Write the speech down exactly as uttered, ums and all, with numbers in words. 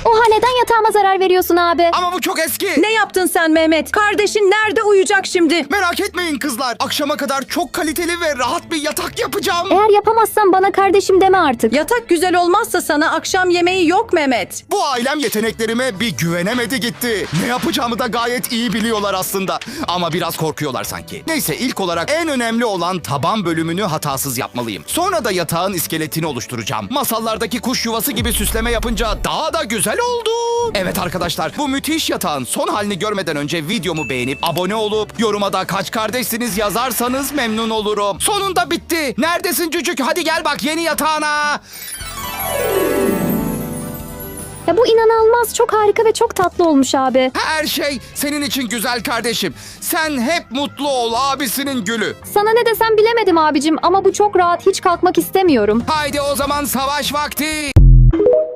Oha, neden yatağıma zarar veriyorsun abi? Ama bu çok eski. Ne yaptın sen Mehmet? Kardeşin nerede uyuyacak şimdi? Merak etmeyin kızlar. Akşama kadar çok kaliteli ve rahat bir yatak yapacağım. Eğer yapamazsan bana kardeşim deme artık. Yatak güzel olmazsa sana akşam yemeği yok Mehmet. Bu ailem yeteneklerime bir güvenemedi gitti. Ne yapacağımı da gayet iyi biliyorlar aslında. Ama biraz korkuyorlar sanki. Neyse, ilk olarak en önemli olan taban bölümünü hatasız yapmalıyım. Sonra da yatağın iskeletini oluşturacağım. Masallardaki kuş yuvası gibi süsleme yapınca daha da güzel oldu. Evet arkadaşlar, bu müthiş yatağın son halini görmeden önce videomu beğenip abone olup yoruma da kaç kardeşsiniz yazarsanız memnun olurum. Sonunda bitti. Neredesin cücük? Hadi gel bak yeni yatağına. Ya bu inanılmaz, çok harika ve çok tatlı olmuş abi. Her şey senin için güzel kardeşim. Sen hep mutlu ol, abisinin gülü. Sana ne desem bilemedim abicim ama bu çok rahat, hiç kalkmak istemiyorum. Haydi o zaman savaş vakti.